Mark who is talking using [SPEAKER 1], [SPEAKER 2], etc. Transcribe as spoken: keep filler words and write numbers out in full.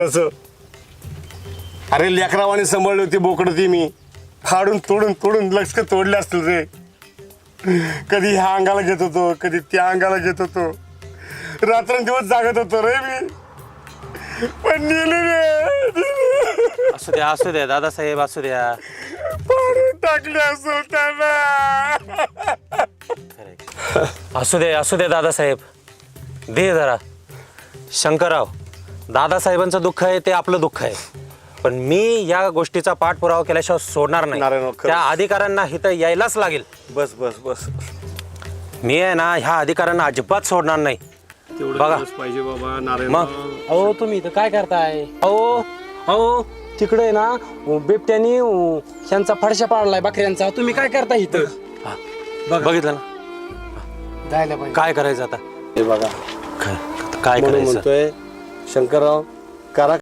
[SPEAKER 1] असं अरे लेकरावाने सांभाळली होती बोकडं ती मी फाडून तोडून तोडून लक्ष तोडले असतील रे. कधी ह्या अंगाला घेत होतो कधी त्या अंगाला घेत होतो रात्रंदिवस जागत होतो रे मी. पण नेले रे.
[SPEAKER 2] असू द्या असू द्या दादासाहेब असू द्या.
[SPEAKER 1] फाडून टाकले असं त्यांना.
[SPEAKER 2] असू दे असू दे दादासाहेब. दे जरा. शंकरराव दादासाहेबांचं दुःख आहे ते आपलं दुःख आहे पण मी या गोष्टीचा पाठपुरावा केल्याशिवाय सोडणार
[SPEAKER 1] नारायण,
[SPEAKER 2] नाही.
[SPEAKER 1] खरंच.
[SPEAKER 2] त्या अधिकाऱ्यांना इथं यायलाच लागेल.
[SPEAKER 1] बस बस बस
[SPEAKER 2] मी आहे ना ह्या अधिकाऱ्यांना अजिबात सोडणार नाही. बघा
[SPEAKER 1] पाहिजे बाबा नारायण.
[SPEAKER 2] मग अहो तुम्ही इथं काय करताय? अहो अहो तिकडे ना बिबट्यानी ह्यांचा फडशा पाडलाय बकऱ्यांचा. तुम्ही काय करताय इथं? बघितलं ना
[SPEAKER 3] जायला पाहिजे.
[SPEAKER 2] काय करायचं आता?
[SPEAKER 1] हे बघा
[SPEAKER 2] काय काय
[SPEAKER 1] म्हणून
[SPEAKER 2] करायचं?
[SPEAKER 1] म्हणतोय शंकरराव करा